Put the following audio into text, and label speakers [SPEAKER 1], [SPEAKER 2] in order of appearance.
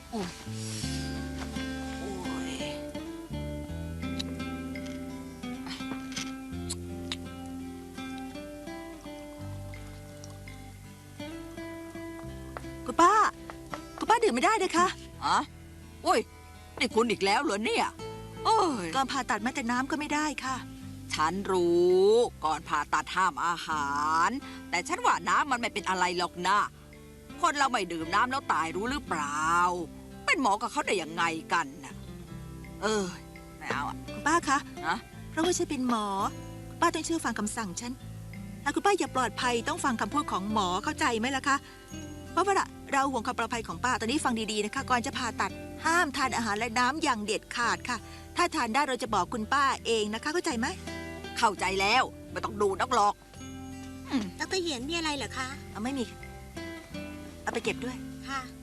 [SPEAKER 1] โอ้ย
[SPEAKER 2] คุณป้าดื่มไม่ได้เลยคะ
[SPEAKER 1] อะโอ้ยนี่คุณอีกแล้วเหรอเนี่ยโอ้ย
[SPEAKER 2] ก่อนผ่าตัดแม้แต่น้ำก็ไม่ได้ค่ะ
[SPEAKER 1] ฉันรู้ก่อนผ่าตัดห้ามอาหาร แต่ฉันว่าน้ำมันไม่เป็นอะไรหรอกนะคนเราไม่ดื่มน้ำแล้วตายรู้หรือเปล่า เป็นหมอกับเขาได้ยังไงกันนะไม่เอาอ่ะ
[SPEAKER 2] คุณป้าคะ
[SPEAKER 1] นะ
[SPEAKER 2] เพราะว่าฉันเป็นหมอคุณป้าต้องเชื่อฟังคำสั่งฉันถ้าคุณป้าอยากปลอดภัยต้องฟังคำพูดของหมอเข้าใจไหมล่ะคะเพราะว่าเราห่วงความปลอดภัยของป้าตอนนี้ฟังดีๆนะคะก่อนจะผ่าตัดห้ามทานอาหารและน้ำอย่างเด็ดขาดค่ะ ถ้าทานได้เราจะบอกคุณป้าเองนะคะเข้าใจไหม
[SPEAKER 1] เข้าใจแล้วไม่ต้องดูนักหรอก
[SPEAKER 3] ดรเหยียนมีอะไรเหรอคะ
[SPEAKER 2] เอาไม่มีเอาไปเก็บด้วย
[SPEAKER 3] ค่ะ